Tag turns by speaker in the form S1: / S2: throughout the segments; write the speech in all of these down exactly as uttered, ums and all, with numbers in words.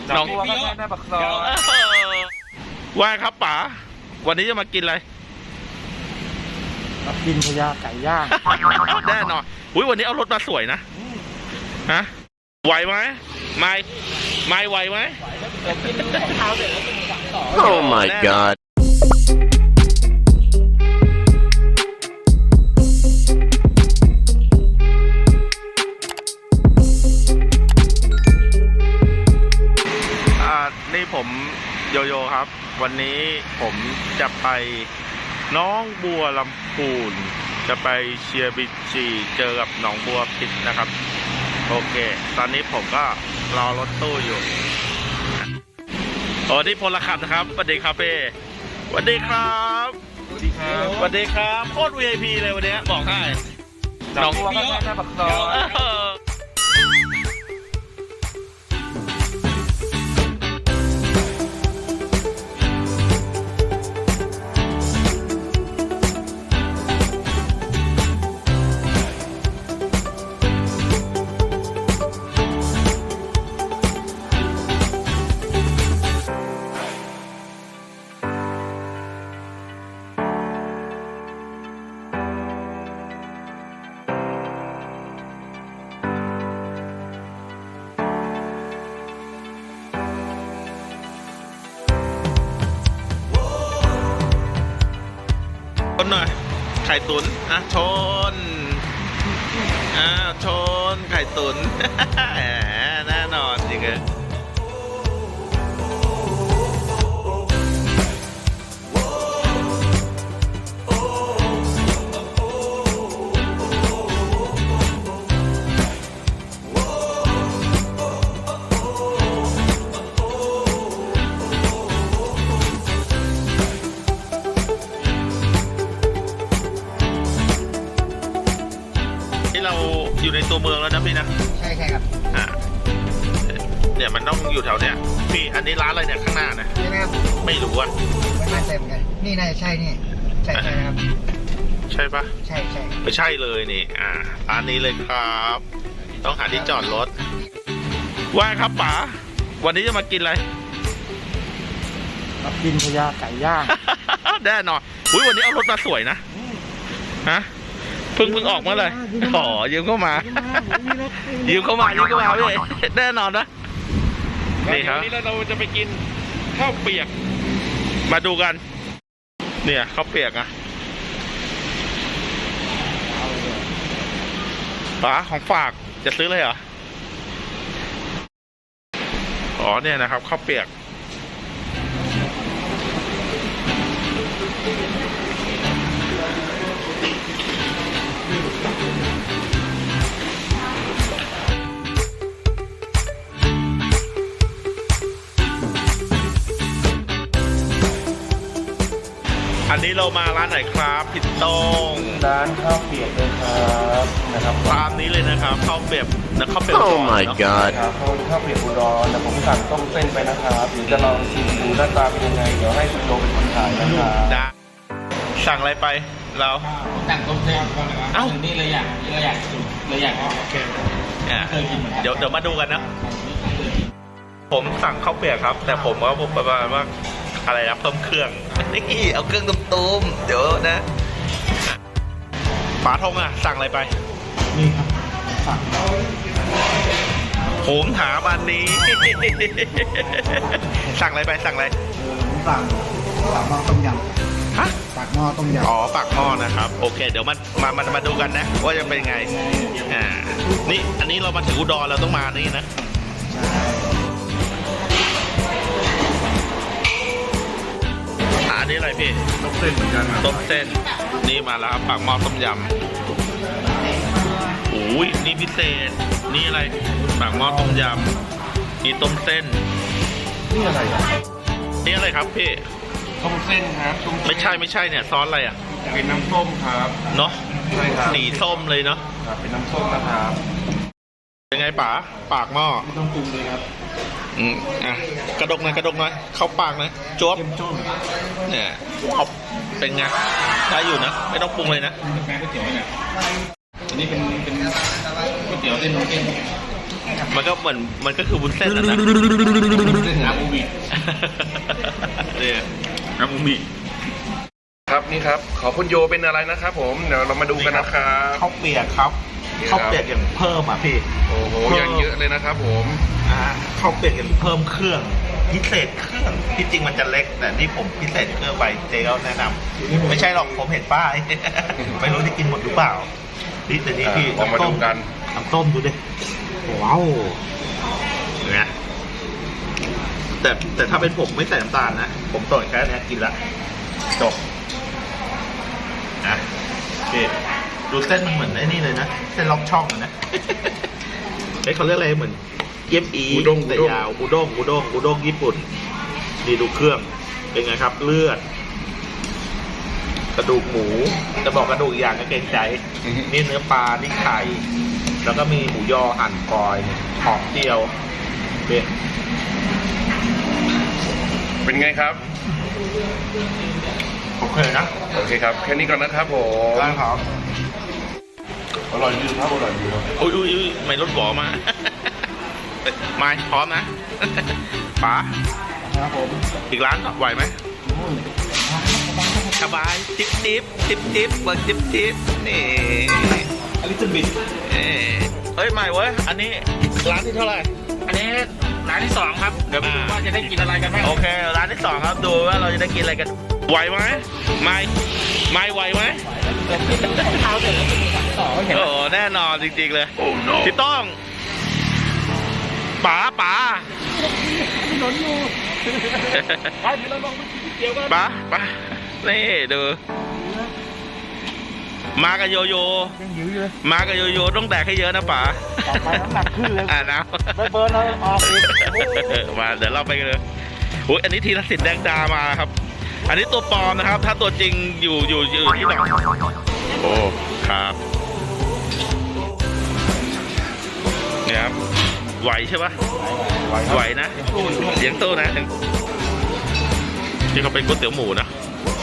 S1: น้องบัวก็ได้บักซอว่าครับป๋าวันนี้จะมากินอะไร
S2: มากินพญาไก่ย่าง
S1: แน่นอนอุ้ยวันนี้เอารถมาสวยนะฮะไหวไหมไม่ไม่ไหวไหม
S3: Oh my god
S1: นี่ผมโยโย่ครับวันนี้ผมจะไปน้องบัวลำพูนจะไปเชียร์บีจีเจอกับหนองบัวพิษนะครับโอเคตอนนี้ผมก็รอรถตู้อยู่โอ้ที่พลขับนะครับสวัสดีครับเป้สวัสดีครับ
S2: สวัสดีครับ
S1: สวัสดีครับโคตร วี ไอ พี เลยวันนี้บอกให้
S2: น้องบัวก็ได้บักซอ
S1: ชนหน่อยไข่ตุ๋นอ่ะชนอ่าชนไข่ตุ๋นแน่นอนจริงเลยเราอยู่ในตัวเมืองแล้วนะพี่นะ
S2: ใช่ใช่ครับ
S1: อ่าเนี่ยมันต้องอยู่แถวเนี้ยพี่อันนี้ร้านอะไรเนี่ยข้างหน้านะ
S2: ใช่ไหมครับ
S1: ไม่รู้อ่ะ
S2: ไม่น่าใช่เหมือนกันนี่น่าจะใช่นี่ใช่ใช่ครับ
S1: ใช่ปะ
S2: ใช่ใช่
S1: ไม่ใช่เลยนี่อ่าร้านนี้เลยครับต้องหาที่จอดรถว่าครับป๋าวันนี้จะมากินอะไร
S2: มากินพญาไก่ย่าง
S1: แน่นอนอุ้ยวันนี้เอารถมาสวยนะฮะเพิ่งเพิ่งออกมาเลยอ๋อยืมเข้ามายืมเข้ามายืมเข้ามาพี่แน่นอนนะนี่ครับวันนี้เราจะไปกินข้าวเปียกมาดูกันเนี่ยข้าวเปียกอะป๋าของฝากจะซื้อเลยเหรออ๋อเนี่ยนะครับข้าวเปียกอันนี้เรามาร้านไหนครับพี่ต้ง
S2: ร้านข้าวเปียกเลยครับนะครับ
S1: ตามนี้เลยนะครับข้าวเปียกนะข้าวเปียก
S3: Oh my god
S2: ครับข้าวเปียกอุดรแต่ผมสั่งต้มเส้นไปนะครับเดี๋ยวจะลองชิมดูหน้าตาเป็นยังไงเดี๋ยวให้คุณโดเป็นคนถ่ายนะครับ
S1: ได้สั่งอะไรไปเรา
S4: สั่งต้มเส้นเอ้านี่เลยอยากเลยอยากสุดเลยอยากโอเค
S1: เดี๋ยวเดี๋ยวมาดูกันนะผมสั่งข้าวเปียกครับแต่ผมว่าผมประมาณว่าอะไรนะเพิ่มเครื่องนี่เอาเครื่องตุ้มๆเดี๋ยวนะป๋าทงอ่ะสั่งอะไรไป
S2: นี่ครับสั่ง
S1: ผมถามอันนี้สั่งอะไรไปสั่งอะไร
S2: สั่งปากหม้อต้มยำ
S1: ฮะ
S2: ปากหม้อต้มยำ
S1: อ๋อปากหม้อนะครับโอเคเดี๋ยวมามามามาดูกันนะว่าจะเป็นไงอ่านี่อันนี้เรามาถึงอุดรเราต้องมานี่นะอันนี้อะไรพี่
S2: ต้มเส้นเหมือนกัน
S1: ต้มเส้นนี่มาแล้วครับปากหม้อต้มยำโอ้ยนี่พิเศษนี่อะไรปากหม้อต้มยำนี่ต้มเส้น
S2: นี่อะไร
S1: นี่อะไรครับพี่
S2: ต้มเส้นครับ
S1: ไม่ใช่ไม่ใช่เนี่ยซอสอะไรอ่ะ
S2: เป็นน้ำส้มครับ
S1: เนาะ
S2: ใช่ครับ
S1: สีส้มเลยเนาะ
S2: ครับเป็นน้ำส้มนะครับ
S1: เป็นไงป๋าปากหม้อ
S2: ไม่ต้องปรุงเลยครับ
S1: อืมอ่ะกระดกหน่อยกระดกหน่อยเข้าปากหน่อยจ๊วบเนี่ยเอาเป็นไงได้อยู่นะไม่ต้องปรุงเลยนะ
S4: แป้งก๋วยเตี๋ยวเนี่ยอันนี้เป็นเป็นก๋วยเตี๋ยวเส้นน้ำเส้น
S1: มันก็เหมือนมันก็คือวุ้นเส้นแล้วนะ
S4: อาบูมิ
S1: เนี่ยอาบูมิ
S2: ครับนี่ครับขอคุณโยเป็นอะไรนะครับผมเดี๋ยวเรามาดูกันนะครับ
S1: ข้าวเปียกครับ
S2: นี่ครับ
S1: ข้าวเปียกอย่างเพิ่มอ่ะพี่
S2: โอ้โหอย่างเยอะเลยนะครับผม
S1: อ่าข้าวเปียกอย่างเพิ่มเครื่องพิเศษเครื่องที่จริงมันจะเล็กแต่นี่ผมพิเศษเครื่องไปเจ๊เขาแนะนำไม่ใช่หรอกผมเห็นป้าย ไม่รู้ที่กินหมดหรือเปล่านี่แต่นี่พี่
S2: เรามาดูกัน
S1: น้ำต้มดูดิว้าวเนี่ยแต่แต่ถ้าเป็นผมไม่ใส่น้ำตาลนะผมต่อยแค่นี้กินละจบนะพี่ดูเส้นมันเหมือนไอ้นี่เลยนะเส้นล็อกช่องอะนะ เฮ้ยเขาเรียกอะไรเหมือนเกี๊ยบอี
S2: อุด้ง
S1: แต่ยาวอุด้งอุด้งอุด้งญี่ปุ่นนี่ดูเครื่องเป็นไงครับเลือด กระดูกหมูจะบอกกระดูกอีกอย่างก็เกรงใจ
S2: อือฮึ
S1: นี่เนื้อปลานี่ไข่แล้วก็มีหมูยอหั่นกอยหอมเจียวเป็น
S2: เป็นไงครับ
S1: โอเคนะ
S2: โอเคครับแค่นี้ก่อนนะครับผม
S1: ได้ครับ
S2: อร่อยดีครับอร่อยดีครับ
S1: อุ้ยอุ้ยอุ้ยไม่รถบ่อมา ไม่พร้อมนะป๋า
S2: ครับผม
S1: อีกร้านไหวไหมสบายจิ๊บจิ๊บจิ๊บจิ๊บเบิร์จิ๊บจิ๊บนี่
S4: อลิซบิท
S1: เอ้ยเฮ้ยใหม่เว้ยอันนี้ร้านที่เท่าไหร่
S4: อันนี้ร้านที่สองครับเดี๋ยวไปดูว่าจะได้กินอะไรกันบ้าง
S1: โอเคร้านที่สองครับดูว่าเราจะได้กินอะไรกันไหวไหมไม่ไม่ไหวไหม
S4: เท้าเสร็จแล้วจะมีร้านต่อก็เห็น
S1: โอ้โหแน่นอนจริงๆเลยพี่ต้องป๋าป๋า
S4: ถนนอยู่ไปเดี๋ยวเราลองไปกินเดี๋ยวกัน
S1: ป๋าป๋านี่ดูมากับโยโย่
S4: ยังหิวอยู่เลย
S1: มากับโยโย่ต้องแดกให้เยอะนะป๋า
S4: ต่อไปน้ำหนักขึ้นเลย
S1: อ่านะ
S4: ไม่เบิร์นเราออกอีก
S1: มาเดี๋ยวเราไปกันเลยอุ้ยอันนี้ทีละสินแดงดามาครับ อันนี้ตัวปลอมนะครับ ถ้าตัวจริงอยู่อยู่อยู่ที่ไหนโอ้ครับเนี่ยครับไหวใช่ปะไหวนะเลี้ยงตู้นะที่เขาเป็นก๋วยเตี๋ยวหมูนะ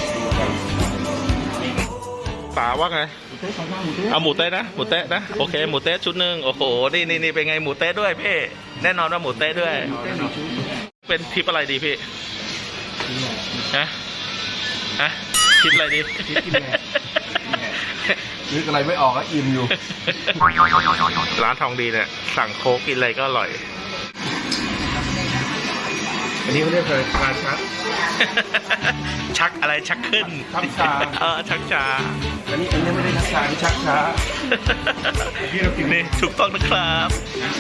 S1: ป๋าว่าไงเอาหมูเต๊ะนะหมูเต๊ะนะโอเคหมูเต๊ะชุดหนึ่งโอ้โหนี่นี่นี่เป็นไงหมูเต๊ะด้วยพี่แน่นอนว่าหมูเต๊ะด้วย เป็นทริปอะไรดีพี่ฮะฮะทริปอะไรดี
S2: นึกอะไรไม่ออกก็อิ่มอยู่
S1: ร้านทองดีเนี่ยสั่งโค้กกินอะไรก็อร่อย
S2: อันนี้เขาเรียกอะไรชาชัก
S1: ชักอะไรชักขึ้น
S2: ชักชา
S1: เออชักชา
S2: อันนี้อันนี้ไม่ได้ชักชาที่ชักช้า ที่เรากิน
S1: นี่ถูกต้องนะครับ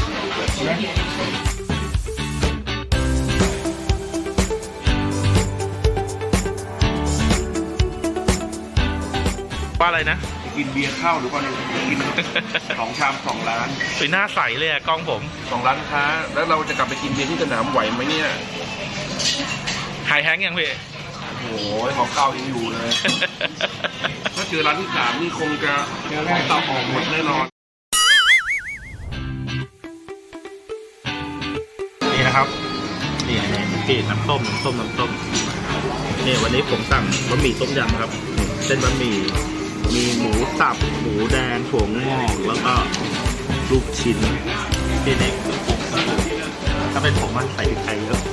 S1: ว่าอะไรนะ
S2: กินเบียร์ข้าวหรือเปล่าเนี่ยกินสองชามสองร้าน
S1: ไปหน้าใสเลยอะกล้องผม
S2: สองร้านค้า แล้วเราจะกลับไปกินเบียร์ที่สนามไหวไหมเนี่ย
S1: หายแฮงก์ยังพี่
S2: โอ้โหของเก่ายังอยู่เลย ถ้าเจอร้านที่สามนี่คงจะของเก่าออกหมดแน่นอน
S1: นี่นะครับ นี่นี่พี่น้ำต้มน้ำต้มน้ำต้มนี่วันนี้ผมสั่งบะหมี่ต้มยำครับ เส้นบะหมี่มีหมูสับหมูแดงถั่วงอกแล้วก็ลูกชิ้นที่เล็กถ้าเป็นผมมันใส่พริกไทยเยอะ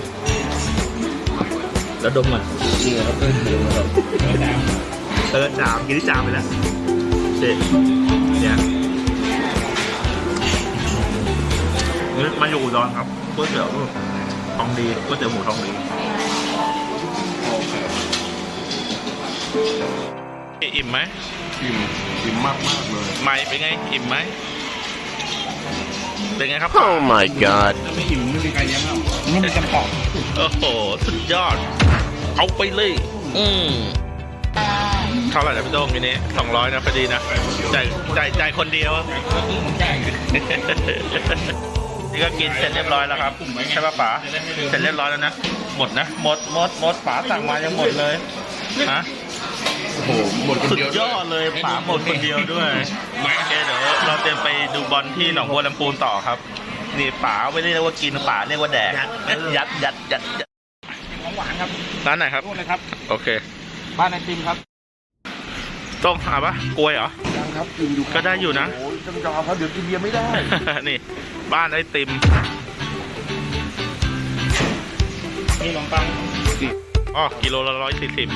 S1: แล้วดมมัน
S2: นี่ครับเพื่อนเดียวนะครับ
S1: เติร์ดจามกินที่จามไปแล้วเด็ดเนี่ยนี่มาอยู่อุดรครับก๋วยเตี๋ยวทองดีก๋วยเตี๋ยวหมูทองดีอิ่มไหม
S2: อิ่มอิ่มมากมากๆเลย
S1: ไม่เป็นไงอิ่มไหมเป็นไงครับ
S3: Oh my god.
S2: ไม่อิ่มไม่มีใครเลี้ยงเรา
S4: นี่มีกระป๋อง
S1: โอ้โหสุดยอด เอาไปเลย อืมเท่าไหร่นะพี่โต้งทีนี้สองร้อยนะพอดีนะจ่ายจ่ายจ่ายคนเดียว
S4: ใช่
S1: นี่ก็กินเสร็จเรียบร้อยแล้วครับใช่ป่ะป๋าเสร็จเรียบร้อยแล้วนะหมดนะหมดหมดหมดป๋าสั่งมายังหมดเลยฮะ
S2: โอ้โหหมดคน
S1: สุด
S2: เดียวย
S1: อดเลยป๋าหมดคนเดียวด้วยโอเคเดี๋ยวเราเตรียมไปดูบอลที่หนองบัวลำพูนต่อครับ นี่ป๋าไม่ได้เรียกว่ากินป๋าเรียกว่าแดกยัดยัดยัดยัด
S4: ของหวานครับ
S1: ร้านไหนครับ
S4: นู่นเลยครับ
S1: โอเค
S4: บ้านไอติมครับ
S1: ต้องหาปะกล้วยเหรอ
S4: ยัง
S2: ครับกินอยู่
S1: ก็ได้อยู่นะ
S2: โอ้ยต้องยอมครับเดี๋ยวกินเบียร์ไม่ได้
S1: นี่ บ้านไอติม
S4: นี่ขนมปัง
S1: อ๋อกิโลละร้อยสี่สิบ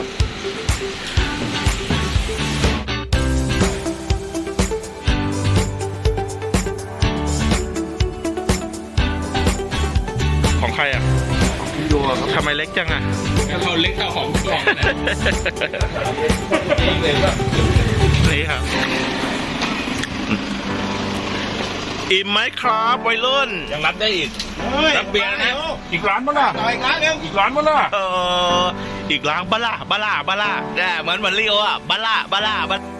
S1: ของใครอ่ะ
S2: พี่โยครับ
S1: ทำไมเล็กจังอ่ะ
S4: แล้วเขาเล็กเท่าของกล่องนะ
S1: นี่ครับ อิ่มไหมครับวัยรุ่น
S4: ยังรับได้อีกรับเบียร์นะอีกร้านมั้งล่ะอีกร้านนึงอีกร้านมั้งล่ะ
S1: เอออีกล้างบาล่าบาล่าบาล่าแน่เหมือนเหมือนเรียวอ่ะบาล่าบาล่าบาล่า